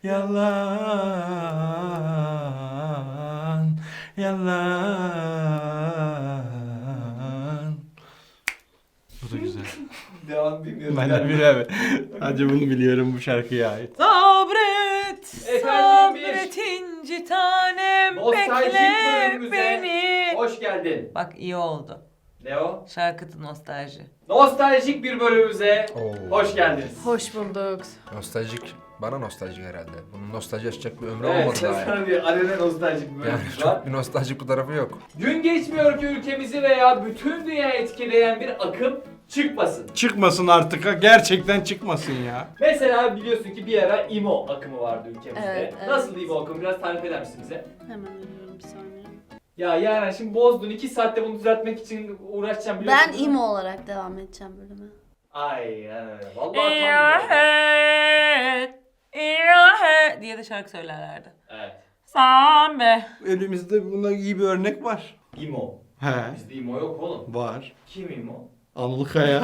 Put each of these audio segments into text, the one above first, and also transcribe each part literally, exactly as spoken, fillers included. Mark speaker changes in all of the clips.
Speaker 1: Yalan, yalan. Bu da güzel.
Speaker 2: Devam bilmiyorum.
Speaker 1: Ben de biliyorum. Sadece bunu biliyorum bu şarkıya ait. Sabret,
Speaker 2: Efendim bir
Speaker 1: sabret inci tanem,
Speaker 2: nostaljik
Speaker 1: bekle
Speaker 2: bölümümüze
Speaker 1: beni.
Speaker 2: hoş geldin.
Speaker 1: Bak iyi oldu.
Speaker 2: Ne o?
Speaker 1: Şarkıtı nostalji.
Speaker 2: Nostaljik bir bölümümüze
Speaker 3: Oo.
Speaker 2: hoş geldiniz.
Speaker 4: Hoş bulduk.
Speaker 3: Nostaljik. Bana nostaljik herhalde. Bunun nostalji yaşayacak bir ömrü
Speaker 2: Evet,
Speaker 3: olmadı
Speaker 2: sen
Speaker 3: daha.
Speaker 2: sana bir arena nostaljik bir
Speaker 3: Yani
Speaker 2: bölümümüz var.
Speaker 3: çok bir nostaljik bir tarafı yok.
Speaker 2: Gün geçmiyor ki ülkemizi veya bütün dünya etkileyen bir akım çıkmasın.
Speaker 1: Çıkmasın artık ha, gerçekten çıkmasın ya.
Speaker 2: Mesela biliyorsun ki bir ara emo akımı vardı ülkemizde.
Speaker 4: Evet, evet.
Speaker 2: Nasıl emo akımı? Biraz tarif eder misin bize?
Speaker 4: Hemen arıyorum bir saniye.
Speaker 2: Ya yani şimdi bozdun. iki saatte bunu düzeltmek için uğraşacağım biliyorsun.
Speaker 4: Ben
Speaker 2: değil mi?
Speaker 4: imo olarak devam edeceğim bölüme.
Speaker 2: Aynen öyle. Vallahi tam bir-
Speaker 1: İlahet, ilahet diye de şarkı söylerlerdi.
Speaker 2: Evet.
Speaker 1: Same. Elimizde buna iyi bir örnek var.
Speaker 2: Emo.
Speaker 1: He.
Speaker 2: Bizde emo yok oğlum.
Speaker 1: Var.
Speaker 2: Kim emo?
Speaker 1: Anıl Kaya.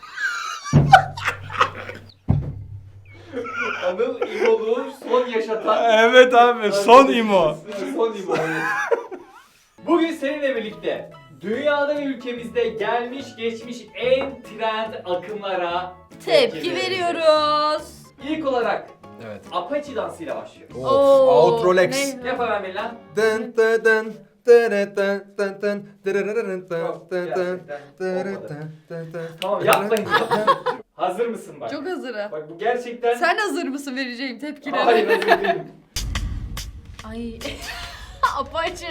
Speaker 2: Anıl İmo'luğu son yaşatan...
Speaker 1: Evet abi, son imo.
Speaker 2: Son imo. evet. Bugün seninle birlikte dünyada ve ülkemizde gelmiş geçmiş en trend akımlara
Speaker 4: Tepki
Speaker 2: vereceğiz.
Speaker 4: veriyoruz.
Speaker 2: İlk olarak
Speaker 3: Evet.
Speaker 2: Apache dansıyla başlıyor.
Speaker 3: Of.
Speaker 4: Oo,
Speaker 3: Outro Lex.
Speaker 4: ne?
Speaker 2: Yap hemen Melih lan.
Speaker 3: Dın dın dın dın dın dın dın dırırırırın dın
Speaker 2: Yok,
Speaker 3: dın dın
Speaker 2: gerçekten
Speaker 3: dırırırın
Speaker 2: olmadı.
Speaker 3: dın dın.
Speaker 2: Tamam yapmayın. Hazır mısın bak?
Speaker 4: Çok hazırım.
Speaker 2: Bak bu gerçekten...
Speaker 4: Sen hazır mısın vereceğim tepkileri?
Speaker 2: Hayır hazır değilim.
Speaker 4: Ay. Apaçı.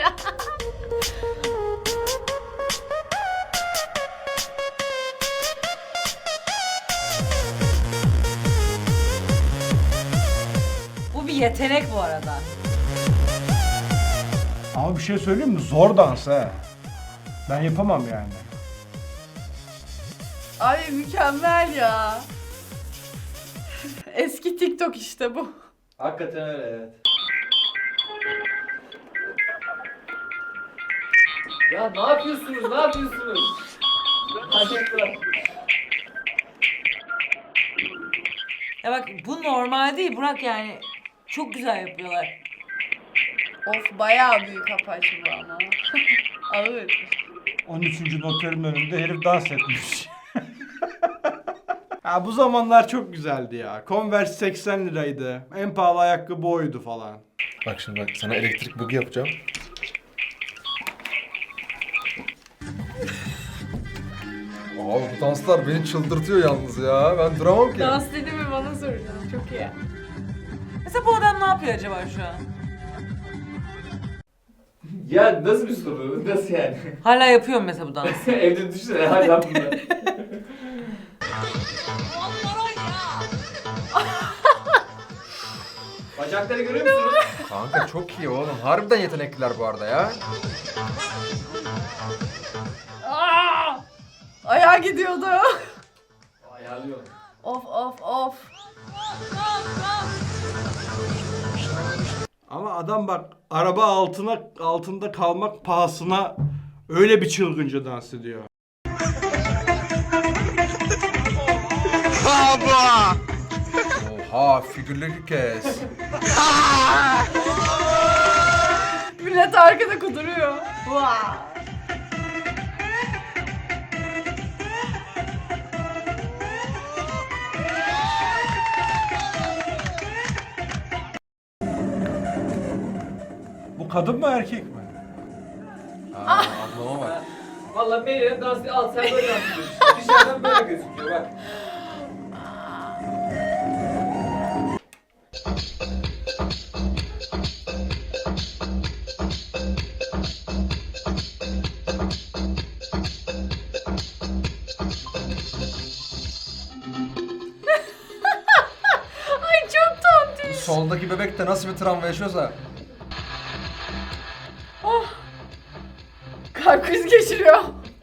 Speaker 1: Bu bir yetenek bu arada.
Speaker 5: Ama bir şey söyleyeyim mi? Zor dans ha. Ben yapamam yani.
Speaker 4: Ay mükemmel ya. Eski TikTok işte bu.
Speaker 2: Hakikaten öyle evet. Ya ne yapıyorsunuz? Ne yapıyorsunuz? Acayipler.
Speaker 1: Ya bak bu normal değil Burak, yani çok güzel yapıyorlar.
Speaker 4: Of bayağı büyük apaçı bu ama. Ağır.
Speaker 5: on üçüncü noterin önünde herif dans etmiş. Ya bu zamanlar çok güzeldi ya. Converse seksen liraydı. En pahalı ayakkabı oydu falan.
Speaker 3: Bak şimdi bak sana elektrik bugi yapacağım. Abi bu danslar beni çıldırtıyor yalnız ya. Ben duramam ki.
Speaker 4: Dans dedi mi bana soracağım. Çok iyi.
Speaker 1: Mesela bu adam ne yapıyor acaba şu an?
Speaker 2: Ya nasıl bir soru? Nasıl yani?
Speaker 1: Hala yapıyor mu mesela bu dansı?
Speaker 2: Evde düşünsene hala bunlar. Bacakları görüyor musunuz?
Speaker 3: Kanka çok iyi oğlum. Harbiden yetenekliler bu arada ya.
Speaker 4: Aa! Ayağa gidiyordu.
Speaker 2: Ayarlıyor.
Speaker 4: Of of of.
Speaker 5: Ama adam bak araba altına altında kalmak pahasına öyle bir çılgınca dans ediyor.
Speaker 3: Oha figürleri kes.
Speaker 4: Millet arkada kuduruyor. Vaa.
Speaker 5: Bu kadın mı erkek mi?
Speaker 3: Aa, ablama bak.
Speaker 2: Valla Melih'in dansı al sen böyle dans ediyorsun. Dışarıdan böyle gözüküyor bak.
Speaker 4: Ay çok tontiş.
Speaker 3: Soldaki bebek de nasıl bir travma yaşıyorsa.
Speaker 4: Kalp krizi geçiriyor.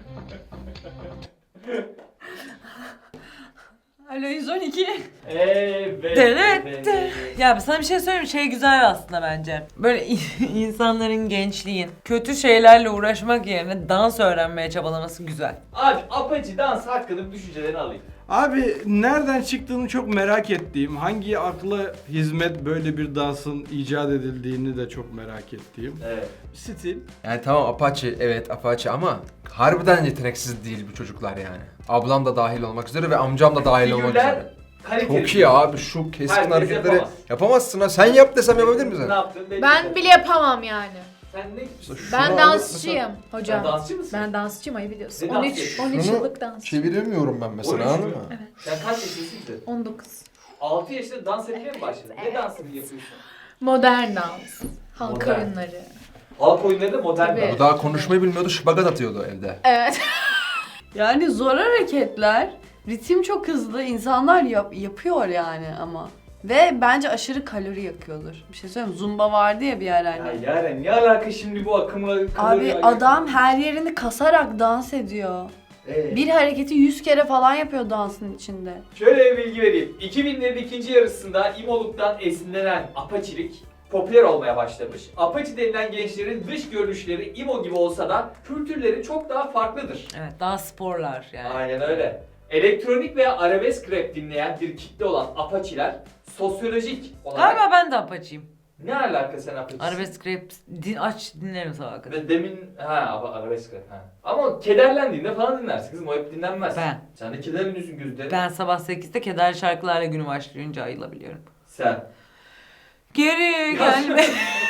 Speaker 4: Alo yüz on iki.
Speaker 2: Evet.
Speaker 1: Evet. Ya sana bir şey söyleyeyim mi? Şey güzel aslında bence. Böyle insanların, gençliğin kötü şeylerle uğraşmak yerine dans öğrenmeye çabalaması güzel.
Speaker 2: Abi Apache dans hakkında bir düşüncelerini alayım.
Speaker 5: Abi nereden çıktığını çok merak ettiğim, hangi akla hizmet böyle bir dansın icat edildiğini de çok merak ettiğim.
Speaker 2: Evet.
Speaker 5: Stil.
Speaker 3: Yani tamam Apache, evet Apache ama harbiden yeteneksiz değil bu çocuklar yani. Ablam da dahil olmak üzere ve amcam da dahil olmak
Speaker 2: Figürler
Speaker 3: üzere.
Speaker 2: kaliteli.
Speaker 3: Çok iyi abi, şu keskin
Speaker 2: Herkes
Speaker 3: hareketleri
Speaker 2: yapamaz.
Speaker 3: yapamazsın ha. Sen yap desem yapabilir misin?
Speaker 2: Ne yaptın? belli
Speaker 4: Ben
Speaker 2: değil.
Speaker 4: bile yapamam yani.
Speaker 2: Sen ne?
Speaker 3: Şunu
Speaker 4: Ben
Speaker 3: alıp
Speaker 4: dansçıyım hocam.
Speaker 2: Sen dansçı mısın?
Speaker 4: Ben dansçıyım, ayı biliyorsun.
Speaker 2: Ne dans
Speaker 4: on üç
Speaker 2: ediyorsun?
Speaker 4: on üç
Speaker 3: Şunu
Speaker 4: yıllık dansçı.
Speaker 3: Çeviremiyorum ben
Speaker 2: on
Speaker 3: mesela,
Speaker 2: üç
Speaker 3: anladın
Speaker 2: mü?
Speaker 3: mı?
Speaker 2: Sen kaç yaşındasın ki?
Speaker 4: on dokuz.
Speaker 2: altı yaşında dans etmeye mi başladın? Ne dansını yapıyorsun?
Speaker 4: Modern dans. Halk
Speaker 2: Modern.
Speaker 4: oyunları.
Speaker 2: Halk oyunları modern
Speaker 4: Tabii.
Speaker 2: dans.
Speaker 3: Bu daha konuşmayı bilmiyordu, şıbagat atıyordu evde.
Speaker 4: Evet.
Speaker 6: Yani zor hareketler, ritim çok hızlı, insanlar yap- yapıyor yani ama. Ve bence aşırı kalori yakıyordur. Bir şey söyleyeyim mi? Zumba vardı ya bir ara
Speaker 2: Ya
Speaker 6: hani.
Speaker 2: Yaren ne alaka şimdi bu akımla?
Speaker 6: Abi
Speaker 2: kalori-
Speaker 6: adam her yerini kasarak dans ediyor.
Speaker 2: Ee,
Speaker 6: Bir hareketi yüz kere falan yapıyor dansın içinde.
Speaker 2: Şöyle bir bilgi vereyim. iki binlerin ikinci yarısında İmoluk'tan esinlenen Apaçilik popüler olmaya başlamış. Apache denilen gençlerin dış görünüşleri İmo gibi olsa da kültürleri çok daha farklıdır.
Speaker 1: Evet, daha sporlar yani.
Speaker 2: Aynen öyle. Elektronik veya arabesk rap dinleyen bir kitle olan Apaçiler sosyolojik olarak...
Speaker 1: Galiba ben de Apache'yim.
Speaker 2: Ne alaka sen Apaçisin?
Speaker 1: Arabesk rap din, aç dinlerim sabah kadar.
Speaker 2: Ve demin ha ama arabesk rap ha. Ama kederlendiğinde falan dinlersin kızım, o hep dinlenmez.
Speaker 1: Ben.
Speaker 2: Sen de kederleniyorsun gözlerin.
Speaker 1: Ben sabah sekizde kederli şarkılarla günü başlayınca ayılabiliyorum.
Speaker 2: Sen.
Speaker 1: Geri gelme.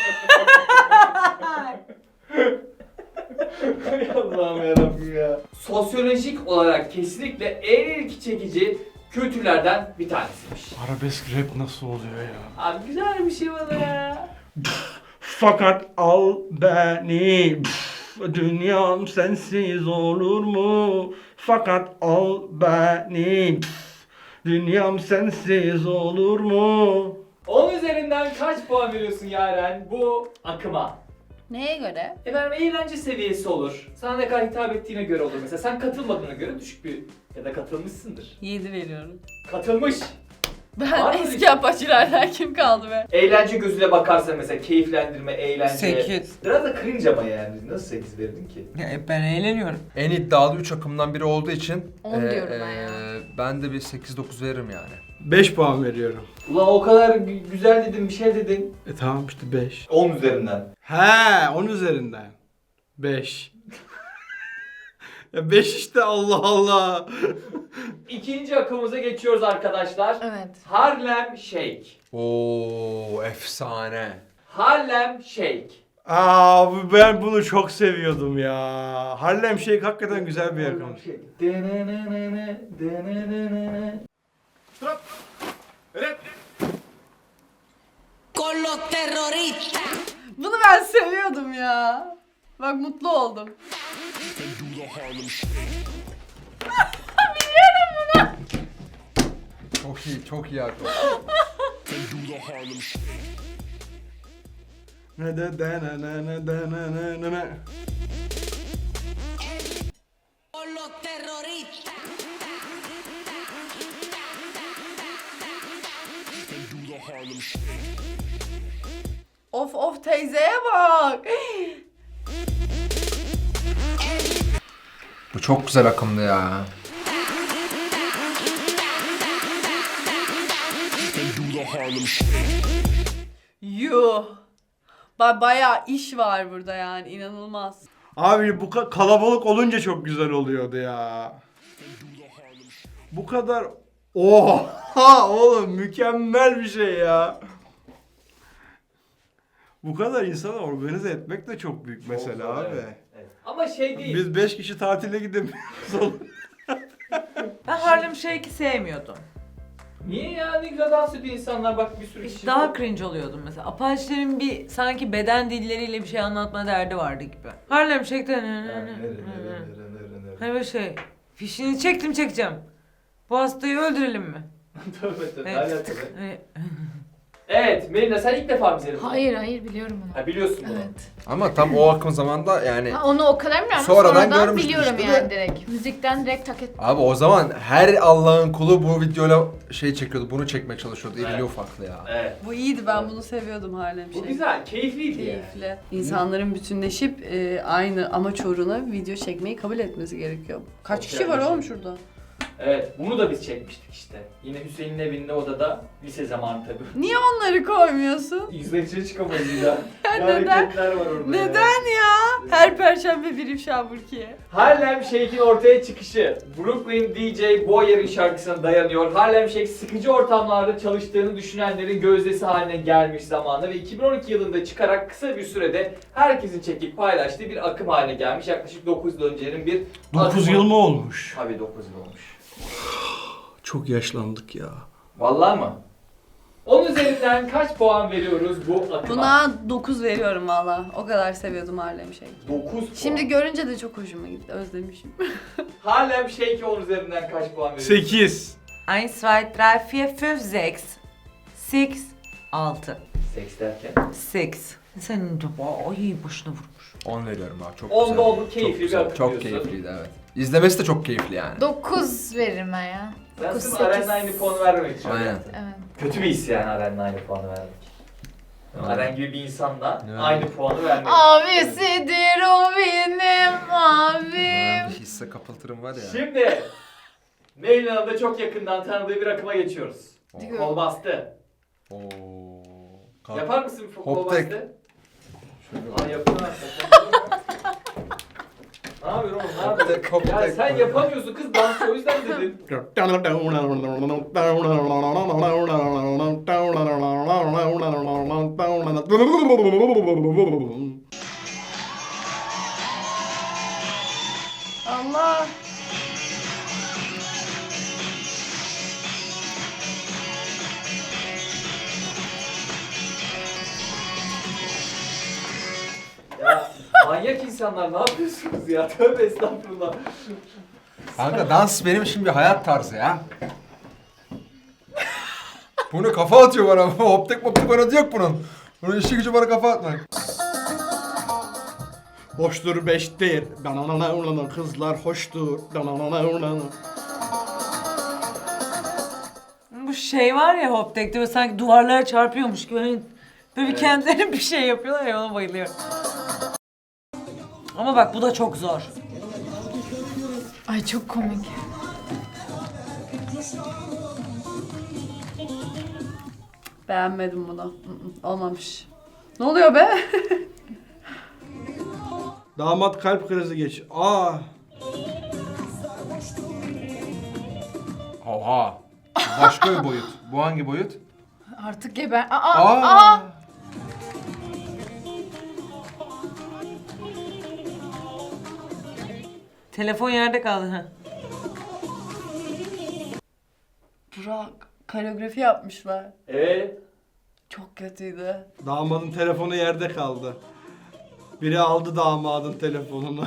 Speaker 2: Hay Allah'ım yarabbim ya. Sosyolojik olarak kesinlikle en ilgi çekici kültürlerden bir tanesiymiş.
Speaker 5: Arabesk rap nasıl oluyor ya?
Speaker 2: Abi güzel bir şey bana ya.
Speaker 5: Fakat al beni, pf, dünyam sensiz olur mu? Fakat al beni, pf, dünyam sensiz olur mu?
Speaker 2: on üzerinden kaç puan veriyorsun Yaren bu akıma?
Speaker 6: Neye göre?
Speaker 2: Efendim eğlence seviyesi olur. Sana ne kadar hitap ettiğine göre olur. Mesela sen katılmadığına göre düşük bir ya da katılmışsındır.
Speaker 6: yedi veriyorum.
Speaker 2: Katılmış.
Speaker 6: Ben
Speaker 2: Var mı
Speaker 6: eski
Speaker 2: bir-
Speaker 6: apaçilerden kim kaldı be?
Speaker 2: Eğlence gözüyle bakarsan mesela keyiflendirme, eğlence.
Speaker 1: Sekiz.
Speaker 2: Biraz da cringe ama yani. Nasıl sekiz verdin ki?
Speaker 1: Ya, ben eğleniyorum.
Speaker 3: En iddialı üç akımdan biri olduğu için
Speaker 4: On diyorum ben ya.
Speaker 3: ben de bir sekiz dokuz veririm yani.
Speaker 5: beş puan veriyorum.
Speaker 2: Ulan o kadar gü- güzel dedin, bir şey dedin.
Speaker 5: E tamam işte beş.
Speaker 2: on üzerinden.
Speaker 5: He, on üzerinden. beş. Ya beş işte, Allah Allah.
Speaker 2: İkinci akımıza geçiyoruz arkadaşlar.
Speaker 4: Evet.
Speaker 2: Harlem Shake.
Speaker 3: Oo, efsane.
Speaker 2: Harlem Shake.
Speaker 5: Aa, bu- ben bunu çok seviyordum ya. Harlem Shake hakikaten güzel bir akım.
Speaker 2: Denenenene, denenenene.
Speaker 7: Con los terroristas.
Speaker 6: Bunu ben seviyordum ya. Bak mutlu oldum.
Speaker 3: Çok iyi, çok iyi akım.
Speaker 5: Ne de de ne ne ne de ne ne ne ne.
Speaker 7: Con los terroristas.
Speaker 6: Of of teyzeye bak.
Speaker 3: Bu çok güzel akımdı ya.
Speaker 6: Yuh. Ba bayağı iş var burada yani, inanılmaz.
Speaker 5: Abi bu ka- kalabalık olunca çok güzel oluyordu ya. Bu kadar... Oha oğlum, mükemmel bir şey ya. Bu kadar insanı organize etmek de çok büyük mesele
Speaker 2: Çok zor,
Speaker 5: abi.
Speaker 2: evet. Evet. Ama şey değil.
Speaker 5: Biz beş kişi tatile gidemiyoruz oğlum.
Speaker 1: Ben Harlem Shake'i sevmiyordum.
Speaker 2: Niye ya, ne güzel dans ediyor insanlar, bak bir sürü kişi.
Speaker 1: Daha cringe oluyordum mesela. Apache'lerin bir sanki beden dilleriyle bir şey anlatma derdi vardı gibi. Harlem Shake'de hani böyle şey, fişini çektim çekeceğim. Bu hastayı öldürelim mi?
Speaker 2: Tövbe tövbe.
Speaker 1: Evet.
Speaker 2: alakalı.
Speaker 1: Hani-
Speaker 2: Evet Melina, sen ilk defa mı seyrettin?
Speaker 4: Hayır hayır biliyorum onu.
Speaker 2: Ha, biliyorsun bunu.
Speaker 4: Evet.
Speaker 3: Ama tam o akım zamanda yani...
Speaker 4: Ha, onu o kadar bilmiyorum.
Speaker 3: Sonradan
Speaker 4: Sonradan,
Speaker 3: görmüştüm
Speaker 4: biliyorum
Speaker 3: işte
Speaker 4: yani
Speaker 3: de.
Speaker 4: direkt. Müzikten direkt tak et.
Speaker 3: Abi o zaman her Allah'ın kulu bu videoyla şey çekiyordu, bunu çekmeye çalışıyordu.
Speaker 2: Evet.
Speaker 3: İrili ufaklı ya.
Speaker 2: Evet.
Speaker 6: Bu iyiydi, ben bunu seviyordum Harlem
Speaker 2: Bu
Speaker 6: Shake.
Speaker 2: güzel, keyifliydi yani.
Speaker 6: Keyifli. İnsanların bütünleşip e, aynı amaç uğruna video çekmeyi kabul etmesi gerekiyor. Kaç
Speaker 2: Çok
Speaker 6: kişi var
Speaker 2: güzel bir
Speaker 6: oğlum
Speaker 2: şey.
Speaker 6: şurada?
Speaker 2: Evet, bunu da biz çekmiştik işte. Yine Hüseyin'in evinde odada, lise zamanı tabii.
Speaker 6: Niye onları koymuyorsun?
Speaker 2: Yüzler içine çıkamayız bir daha. Ne
Speaker 6: Neden?
Speaker 2: hareketler var orada
Speaker 6: Neden ya? Her perşembe bir ifşa Burkiye.
Speaker 2: Harlem Shake'in ortaya çıkışı Brooklyn D J Boyer'in şarkısına dayanıyor. Harlem Shake sıkıcı ortamlarda çalıştığını düşünenlerin gözdesi haline gelmiş zamanında ve iki bin on iki yılında çıkarak kısa bir sürede herkesin çekip paylaştığı bir akım haline gelmiş. Yaklaşık dokuz yıl öncenin bir
Speaker 5: dokuz
Speaker 2: akımı.
Speaker 5: yıl mı olmuş?
Speaker 2: Tabii dokuz yıl olmuş.
Speaker 5: Çok yaşlandık ya.
Speaker 2: Vallahi mı? Onun üzerinden kaç puan veriyoruz bu akıma?
Speaker 6: Buna dokuz veriyorum valla. O kadar seviyordum Harlem Shake.
Speaker 2: dokuz puan.
Speaker 6: Şimdi görünce de çok hoşuma gitti. Özlemişim.
Speaker 2: Harlem Shake'e on üzerinden kaç puan veriyoruz?
Speaker 5: sekiz.
Speaker 1: eins, zwei, drei, vier, fünf, sechs. Six, altı.
Speaker 2: Seks derken.
Speaker 1: Six. Senin de ay boşuna vurmuş.
Speaker 3: on veriyorum abi, çok
Speaker 2: On
Speaker 3: güzel.
Speaker 2: da oldu, keyifli
Speaker 3: çok
Speaker 2: bir
Speaker 3: güzel,
Speaker 2: akım
Speaker 3: Çok
Speaker 2: diyorsun.
Speaker 3: keyifliydi, evet. İzlemesi de çok keyifli yani.
Speaker 4: dokuz veririm ben ya.
Speaker 2: Ben
Speaker 4: dokuz,
Speaker 2: sırf
Speaker 4: sekiz.
Speaker 2: Aren'le aynı puanı vermemek için.
Speaker 3: Aynen.
Speaker 2: yaptım.
Speaker 4: Evet.
Speaker 2: Kötü bir his yani Aren'le aynı puanı vermek.
Speaker 3: Evet.
Speaker 2: Aren gibi bir insanla
Speaker 3: Evet.
Speaker 2: aynı puanı vermek.
Speaker 4: Abisidir o benim
Speaker 3: Ben
Speaker 4: abim.
Speaker 3: bir hisse kapıltırım var ya.
Speaker 2: Şimdi Neylin Hanım'ı da çok yakından tanıdığı bir akıma geçiyoruz.
Speaker 4: Diyor.
Speaker 2: Kol bastı.
Speaker 3: Oo. Kalk.
Speaker 2: Yapar mısın bir kol
Speaker 3: Hop tek.
Speaker 2: bastı?
Speaker 3: Şöyle
Speaker 2: Aa yapıyor hakikaten. Ne yapıyorsun oğlum? Ne
Speaker 3: Hop
Speaker 2: yapıyorsun?
Speaker 3: tek, hop
Speaker 2: Ya
Speaker 3: tek.
Speaker 2: sen yapamıyorsun kız dansçı o yüzden dedin.
Speaker 6: Allah.
Speaker 2: Ya manyak insanlar ne yapıyorsunuz ya? Tövbe estağfurullah.
Speaker 3: Kanka dans benim için bir hayat tarzı ya. Bunu kafa atıyor bana. Hop tek hop tek oynadı yok bunun. Bunun işi gücü bana kafa atmak.
Speaker 5: Hoştur beştir. Kızlar hoştur.
Speaker 1: Bu şey var ya hop tekte böyle sanki duvarlara çarpıyormuş gibi. Hani böyle bir
Speaker 2: Evet.
Speaker 1: kendileri bir şey yapıyorlar ya, ona bayılıyorum. Ama bak bu da çok zor.
Speaker 4: Ay çok komik.
Speaker 6: Beğenmedim bunu. Mm-mm, olmamış. Ne oluyor be?
Speaker 5: Damat kalp krizi geç. Aa.
Speaker 3: Oha. Bu başka bir boyut. Bu hangi boyut?
Speaker 4: Artık geber... Aa, aa,
Speaker 3: Aa.
Speaker 1: Telefon yerde kaldı. Ha.
Speaker 6: Burak, koreografi yapmışlar.
Speaker 2: Evet.
Speaker 6: Çok kötüydü.
Speaker 5: Damadın telefonu yerde kaldı. Biri aldı damadın telefonunu.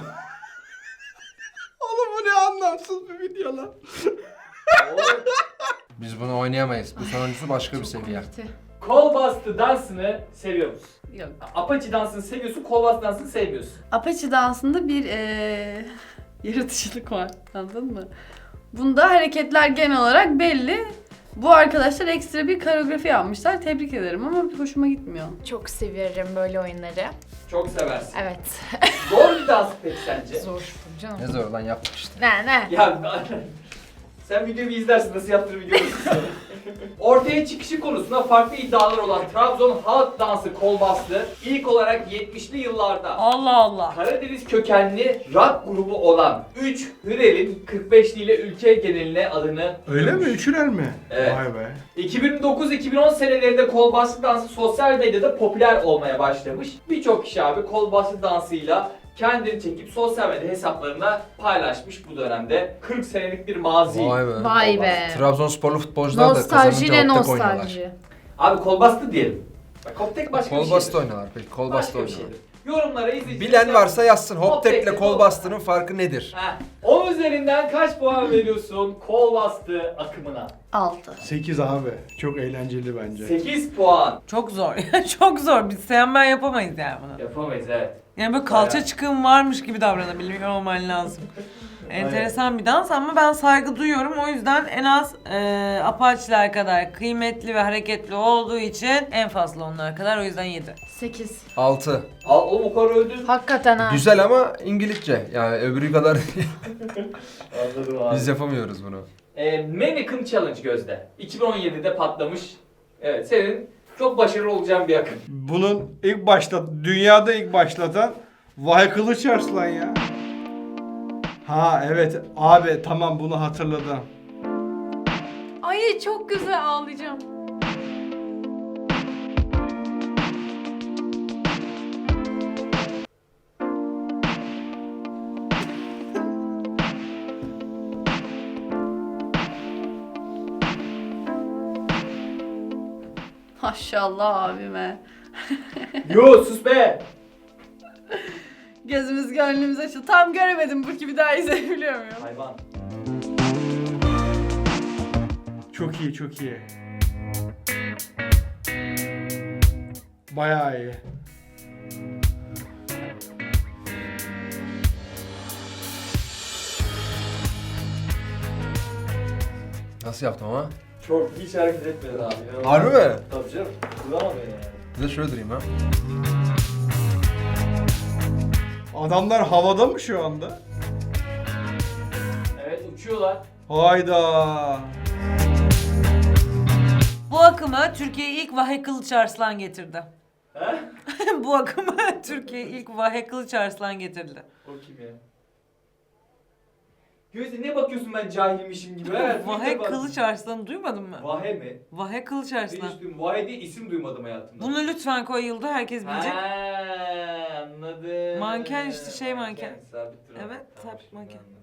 Speaker 5: Oğlum bu ne anlamsız bir video lan.
Speaker 2: Oğlum,
Speaker 3: Biz bunu oynayamayız. Bu sonuncusu başka bir seviye.
Speaker 4: komikti.
Speaker 2: kol bastı dansını seviyor musun?
Speaker 6: Yok.
Speaker 2: Apache dansını seviyorsun, kol bastı dansını sevmiyorsun.
Speaker 6: Apache dansında bir eee yaratıcılık var. Anladın mı? Bunda hareketler genel olarak belli. Bu arkadaşlar ekstra bir koreografi yapmışlar. Tebrik ederim ama hoşuma gitmiyor.
Speaker 4: Çok severim böyle oyunları.
Speaker 2: Çok seversin.
Speaker 4: Evet.
Speaker 2: Zor bir dans peki sence?
Speaker 4: Zor canım.
Speaker 3: Ne zor lan, yaptık işte.
Speaker 4: Ne ne?
Speaker 2: Ya sen videoyu bir izlersin nasıl yaptığını biliyorsun. Ortaya çıkışı konusunda farklı iddialar olan Trabzon halk dansı kol bastı ilk olarak yetmişli yıllarda
Speaker 1: Allah Allah.
Speaker 2: Karadeniz kökenli rock grubu olan üç Hürel'in kırk beşli ile ülke geneline adını
Speaker 5: Öyle mi?
Speaker 2: duyurmuş.
Speaker 5: Üçürer mi?
Speaker 2: Evet.
Speaker 5: Vay be.
Speaker 2: iki bin dokuz iki bin on senelerinde kol bastı dansı sosyal medyada popüler olmaya başlamış. Birçok kişi abi kol bastı dansıyla kendini çekip sosyal medya hesaplarına paylaşmış bu dönemde. kırk senelik bir mazi.
Speaker 3: Vay be.
Speaker 4: Vay be.
Speaker 3: Trabzonsporlu futbolcular da
Speaker 4: Nostaljiyle
Speaker 3: kazanınca hop tek oynuyorlar.
Speaker 4: nostalji.
Speaker 2: Abi kol bastı diyelim. Bak hop tek başka bir
Speaker 3: Kol
Speaker 2: şey.
Speaker 3: bastı oynuyorlar peki. Kol bastı
Speaker 2: Başka bir
Speaker 3: oynuyorlar.
Speaker 2: şeydir. Yorumlara izleyiciler...
Speaker 3: Bilen varsa yazsın. Hop
Speaker 2: Hop
Speaker 3: tekle
Speaker 2: tekle
Speaker 3: kol
Speaker 2: kol-
Speaker 3: bastının farkı nedir?
Speaker 2: Heh. on üzerinden kaç puan veriyorsun kol bastı akımına?
Speaker 6: Altı.
Speaker 5: sekiz abi. Çok eğlenceli bence.
Speaker 2: sekiz puan.
Speaker 1: Çok zor. Çok zor. Biz sen ben yapamayız yani bunu.
Speaker 2: Yapamayız evet.
Speaker 1: Yani böyle kalça
Speaker 2: Bayağı.
Speaker 1: çıkım varmış gibi davranabiliyor olman lazım. Enteresan bir dans ama ben saygı duyuyorum. O yüzden en az e, Apache'ler kadar kıymetli ve hareketli olduğu için en fazla onlar kadar. O yüzden yedi.
Speaker 4: sekiz.
Speaker 3: altı.
Speaker 2: Al oğlum o kadar öldün.
Speaker 4: Hakikaten ha.
Speaker 3: Güzel ama İngilizce. Yani öbürü kadar
Speaker 2: Anladım abi.
Speaker 3: biz yapamıyoruz bunu.
Speaker 2: E, Mannequin Challenge Gözde. iki bin on yedide patlamış. Evet, senin çok başarılı olacağın bir akım.
Speaker 5: Bunun ilk başta dünyada ilk başlatan Vahe Kılıç Arslan ya. Ha evet abi tamam bunu hatırladım.
Speaker 4: Ay çok güzel ağlayacağım.
Speaker 6: Maşallah abime.
Speaker 2: Yo sus be!
Speaker 6: Gözümüz gönlümüz açıldı. Tam göremedim bu ki bir daha izleyebiliyor muyum?
Speaker 2: Hayvan.
Speaker 5: Çok iyi çok iyi. Bayağı iyi.
Speaker 3: Nasıl yaptım ama?
Speaker 2: Çok hiç hareket etmedin abi.
Speaker 3: Harbi mi?
Speaker 2: Tabii canım. Duramadın yani.
Speaker 3: Bir de şöyle durayım ha.
Speaker 5: Adamlar havada mı şu anda?
Speaker 2: Evet, uçuyorlar.
Speaker 5: Hayda.
Speaker 1: Bu akımı Türkiye'ye ilk Vahe Kılıç Arslan getirdi.
Speaker 2: He?
Speaker 1: Bu akımı Türkiye'ye ilk Vahe Kılıç Arslan getirdi.
Speaker 2: O kim ya? Gözde ne bakıyorsun ben cahilmişim gibi? Evet,
Speaker 1: Vahe Kılıç Arslan'ı duymadın mı?
Speaker 2: Vahe mi?
Speaker 1: Vahe Kılıç Arslan.
Speaker 2: Hiç duymadım. Vahe diye isim duymadım hayatımda.
Speaker 1: Bunu lütfen koy Yılda, herkes bilecek.
Speaker 2: Ha, anladım.
Speaker 1: Manken işte, şey manken.
Speaker 2: Sabit duran.
Speaker 1: Evet,
Speaker 2: Tamam,
Speaker 1: sabit
Speaker 2: şimdi
Speaker 1: manken.
Speaker 2: anladım.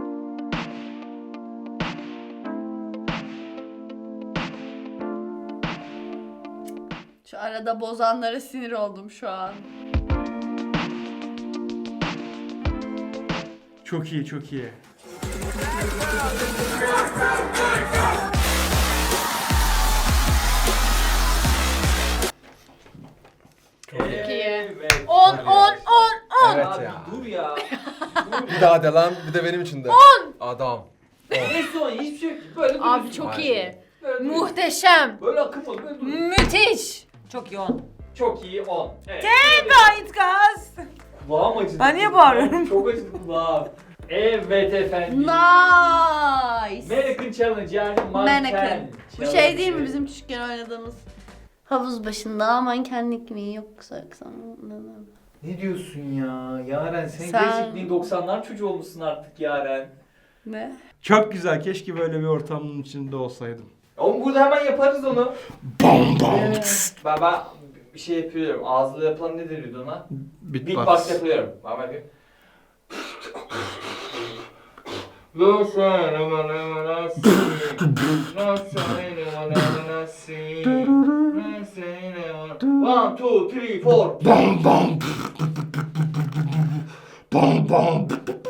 Speaker 6: Şu arada bozanlara sinir oldum şu an.
Speaker 5: Çok iyi çok iyi.
Speaker 2: Çok
Speaker 4: iyi.
Speaker 2: Evet.
Speaker 4: On, on, on, on.
Speaker 3: Evet
Speaker 2: Abi
Speaker 3: ya.
Speaker 2: dur ya.
Speaker 3: Bir daha de lan, bir de benim için de. Adam.
Speaker 2: Ne son hiçbir şey yok. Böyle
Speaker 4: Abi
Speaker 2: duruyorsun.
Speaker 4: çok
Speaker 3: Maşallah.
Speaker 4: iyi.
Speaker 2: Böyle duruyorsun.
Speaker 4: Muhteşem.
Speaker 2: Böyle akım ol, böyle dur.
Speaker 4: Müthiş.
Speaker 1: Çok iyi on.
Speaker 2: Çok iyi on. Evet.
Speaker 1: Gayet gaz.
Speaker 2: Kulağım acıdı.
Speaker 1: Ben niye bağırıyorum?
Speaker 2: Çok acıdı kulağım. Evet efendim.
Speaker 6: Nice.
Speaker 2: Mannequin Challenge yani manken.
Speaker 6: Mannequin. Bu şey değil mi bizim küçükken oynadığımız? Havuz başında mankenlik mi yoksa yoksa
Speaker 2: Ne diyorsun ya? Yaren sen,
Speaker 6: Sen-
Speaker 2: gerçekten doksanlar çocuğu olmuşsun artık Yaren.
Speaker 6: ne?
Speaker 5: Çok güzel. Keşke böyle bir ortamın içinde olsaydım.
Speaker 2: Oğlum burada hemen yaparız onu.
Speaker 5: Bam bam.
Speaker 2: Ben, ben bir şey yapıyorum. Ağızlı yapılan ne deniyordu ona?
Speaker 5: Beatbox.
Speaker 2: Beatbox yapıyorum. Ben yapayım. No sign of an emergency. No sign of an emergency. No sign of an- One, two, three, four.
Speaker 5: Bam bam. Bam bam.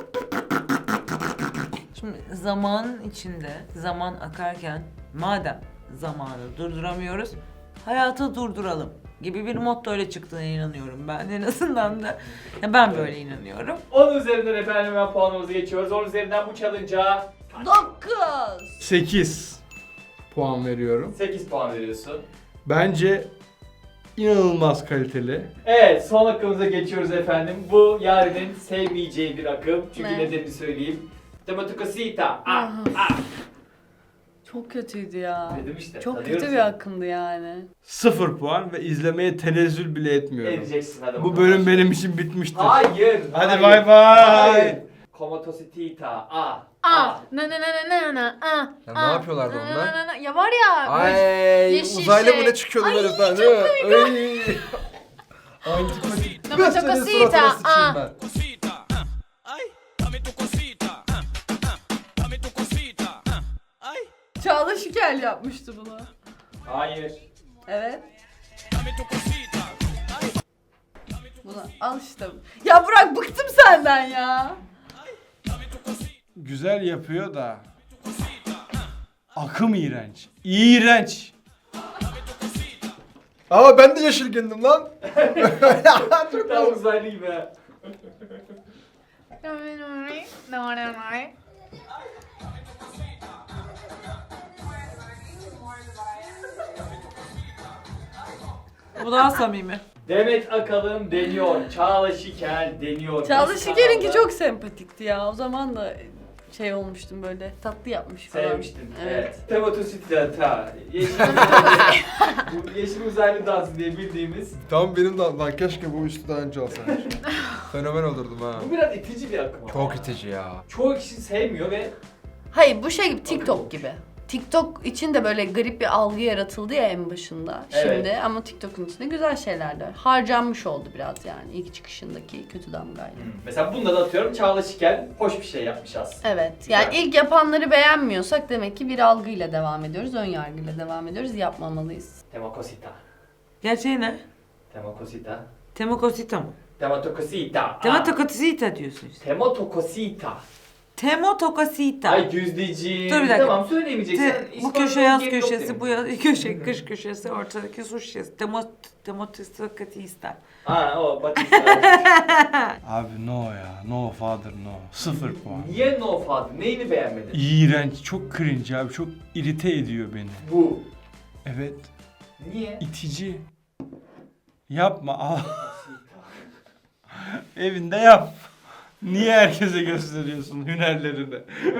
Speaker 1: Şimdi zaman içinde, zaman akarken madem zamanı durduramıyoruz, hayatı durduralım gibi bir motto ile çıktığına inanıyorum ben. En azından da ya ben böyle inanıyorum.
Speaker 2: on üzerinden efendim hemen puanımızı geçiyoruz. on üzerinden bu challenge'a
Speaker 6: Dokuz.
Speaker 5: sekiz puan veriyorum.
Speaker 2: sekiz puan veriyorsun.
Speaker 5: Bence inanılmaz kaliteli.
Speaker 2: Evet, son akımıza geçiyoruz efendim. Bu Yaren'in sevmeyeceği bir akım. Çünkü
Speaker 6: Ne?
Speaker 2: nedenini söyleyeyim. Tematukasita. Ah,
Speaker 6: Aha.
Speaker 2: ah.
Speaker 6: Çok kötüydü ya.
Speaker 2: Dedim işte.
Speaker 6: Çok
Speaker 2: tanıyorum
Speaker 6: kötü bir
Speaker 2: seni.
Speaker 6: akımdı yani.
Speaker 5: Sıfır puan ve izlemeye tenezzül bile etmiyorum.
Speaker 2: Edeceksin hadi
Speaker 5: Bu
Speaker 2: bakalım.
Speaker 5: bölüm benim için bitmiştir.
Speaker 2: Hayır.
Speaker 5: Hadi
Speaker 2: hayır,
Speaker 5: bay bay.
Speaker 2: Hayır. Komatositita. Ah.
Speaker 4: Ah, na na na na na na, ah.
Speaker 3: Ya ne
Speaker 4: ah,
Speaker 3: yapıyorlardı
Speaker 4: na, na,
Speaker 3: onlar?
Speaker 4: na, na. Ya var ya.
Speaker 3: Ay,
Speaker 4: yeşil
Speaker 3: uzaylı
Speaker 4: şey.
Speaker 3: mı ne çıkıyordu
Speaker 4: Ay,
Speaker 3: böyle falan
Speaker 4: çok
Speaker 3: değil mi? Ay. Antipatik.
Speaker 4: Nama
Speaker 3: Ben senin
Speaker 4: Chocosita,
Speaker 3: suratına sıçayım
Speaker 4: ah.
Speaker 3: ben.
Speaker 8: Cosita, ah, ay, dame tu cosita, ah, ah, dame tu cosita, ah, ay,
Speaker 6: Çağla Şikel yapmıştı bunu.
Speaker 2: Hayır.
Speaker 6: Evet.
Speaker 8: dame tu cosita, ay,
Speaker 6: Bunu al işte. Ya Burak bıktım senden ya.
Speaker 8: dame tu cosita,
Speaker 5: Güzel yapıyor da. Akım iğrenç. İğrenç.
Speaker 3: Aa ben de yeşil giyindim lan. Çok
Speaker 2: Tam uzaylı gibi ha.
Speaker 1: Bu daha samimi.
Speaker 2: Demet Akalın deniyor. Çağla Şikel deniyor.
Speaker 6: Çağla
Speaker 2: Biz
Speaker 6: Şikel'inki
Speaker 2: kanalda-
Speaker 6: çok sempatikti ya. O zaman da şey olmuştum böyle tatlı yapmış falan.
Speaker 2: Sevmiştin. Evet.
Speaker 6: Evet.
Speaker 2: Tematosita. Yeşil, bu yeşil uzaylı dansı diye bildiğimiz.
Speaker 3: Tam benim de lan keşke bu üstü daha önce alsaymış. Fenomen olurdum ha.
Speaker 2: Bu biraz itici bir akım ama.
Speaker 3: Çok itici ya.
Speaker 2: Çoğu kişi sevmiyor ve
Speaker 6: Hayır bu şey gibi TikTok gibi. TikTok için de böyle garip bir algı yaratıldı ya en başında
Speaker 2: Evet.
Speaker 6: şimdi ama TikTok'un içinde güzel şeyler de var. Harcanmış oldu biraz yani ilk çıkışındaki kötü damgayla.
Speaker 2: mesela bunda da atıyorum Çağla Şikel hoş bir şey yapmış aslında.
Speaker 6: Evet.
Speaker 2: Güzel.
Speaker 6: Yani ilk yapanları beğenmiyorsak demek ki bir algıyla devam ediyoruz, ön yargıyla devam ediyoruz. Yapmamalıyız.
Speaker 2: Temakosita.
Speaker 1: Gerçeği ne?
Speaker 2: Temakosita.
Speaker 1: Temokosita mı?
Speaker 2: Tematokosita.
Speaker 1: Tematokosita diyorsun işte.
Speaker 2: Tematokosita.
Speaker 1: Temotokosita.
Speaker 2: Ay Düzdeciğim.
Speaker 1: Dur bir dakika.
Speaker 2: Tamam söyleyemeyeceksin.
Speaker 1: Te- bu
Speaker 2: İspanyol
Speaker 1: köşe yaz
Speaker 2: geri
Speaker 1: köşesi,
Speaker 2: yok
Speaker 1: bu
Speaker 2: demiş.
Speaker 1: yaz köşe kış köşesi, ortadaki su şişesi. Temot Temotokosita.
Speaker 2: Ha o Batista.
Speaker 5: Abi no ya. No father no. Sıfır puan.
Speaker 2: Niye no father? Neyini beğenmedin?
Speaker 5: İğrenç. Çok cringe abi. Çok irite ediyor beni.
Speaker 2: Bu.
Speaker 5: Evet.
Speaker 2: Niye?
Speaker 5: itici. Yapma. Al. Evinde yap. Niye herkese gösteriyorsun hünerlerini?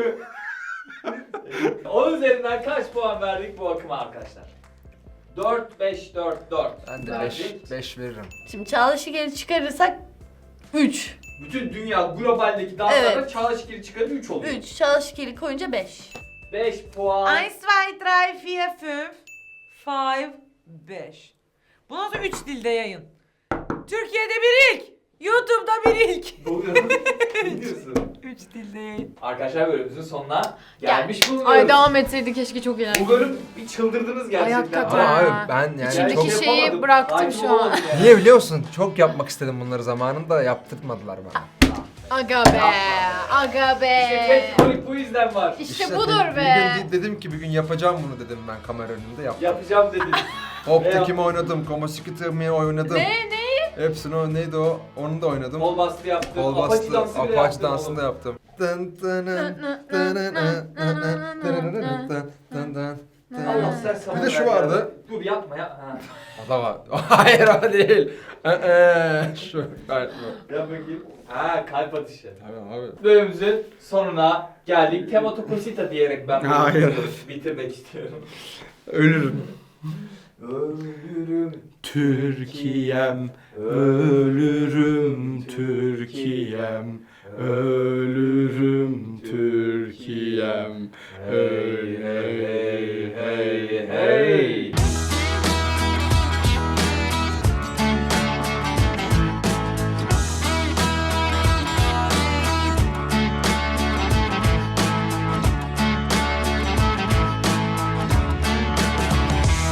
Speaker 2: On üzerinden kaç puan verdik bu akıma arkadaşlar? dört, beş, dört, dört.
Speaker 3: Ben de
Speaker 2: Verdik.
Speaker 3: beş veririm.
Speaker 6: Şimdi Çağla Şikel'i çıkarırsak üç.
Speaker 2: Bütün dünya globaldeki danslarda
Speaker 6: Evet.
Speaker 2: Çağla Şikel'i çıkarınca üç oluyor.
Speaker 6: üç. Çağla Şikel'i koyunca beş.
Speaker 2: beş puan.
Speaker 1: eins, zwei, drei, vier, fünf, five, beş. Bu nasıl üç dilde yayın? Türkiye'de bir ilk. YouTube'da bir ilk.
Speaker 2: Doğru. Ne diyorsun?
Speaker 1: Üç dilde yayın.
Speaker 2: Arkadaşlar bölümümüzün sonuna gelmiş bulunuyoruz.
Speaker 4: Ay devam etseydi keşke çok eğlenceli.
Speaker 2: Bu bölüm bir çıldırdınız gerçekten.
Speaker 4: hakikaten.
Speaker 3: Ama
Speaker 4: Ha.
Speaker 3: abi ben yani
Speaker 4: İçimdeki
Speaker 3: çok...
Speaker 4: şey- şeyi
Speaker 2: yapamadım.
Speaker 4: bıraktım
Speaker 2: Hakim
Speaker 4: şu an.
Speaker 2: olamadım yani.
Speaker 3: Niye biliyor musun? Çok yapmak istedim bunları zamanında, yaptırtmadılar bana.
Speaker 4: Aga be. Aga
Speaker 2: İşte
Speaker 4: be.
Speaker 2: Petkolik bu yüzden var.
Speaker 4: İşte
Speaker 3: de-
Speaker 4: budur
Speaker 3: bir
Speaker 4: be.
Speaker 3: gün de- dedim ki bir gün yapacağım bunu dedim ben kamera önünde yaptım.
Speaker 2: Yapacağım dedin.
Speaker 3: Hop'takimi oynadım, Komosikitimi oynadım.
Speaker 6: Ne? Ne?
Speaker 3: Hepsini o neydi o? Onu da oynadım.
Speaker 2: Kol bastı yaptın.
Speaker 3: Kol
Speaker 2: Apache
Speaker 3: bastı,
Speaker 2: dansı bile
Speaker 3: Apache
Speaker 2: yaptın
Speaker 3: dansını da
Speaker 2: oğlum.
Speaker 3: yaptım. Dın dın dın dın dın dın dın.
Speaker 2: Allah ser sabır
Speaker 3: Bir de şu
Speaker 2: ver
Speaker 3: vardı.
Speaker 2: ya. Dur yapma ya. Ha.
Speaker 3: O da var. Hayır o değil. Ee, şu. Hayır bu.
Speaker 2: Yap bakayım. Ha kalp atışı.
Speaker 3: Tamam abi.
Speaker 2: Bölümümüzün sonuna geldik. Tematokosita diyerek ben bunu
Speaker 5: Hayır.
Speaker 2: bitirmek istiyorum.
Speaker 5: Ölürüm.
Speaker 2: Ölürüm.
Speaker 5: Türkiye'm, ölürüm Türkiye'm, ölürüm Türkiye'm, ölürüm.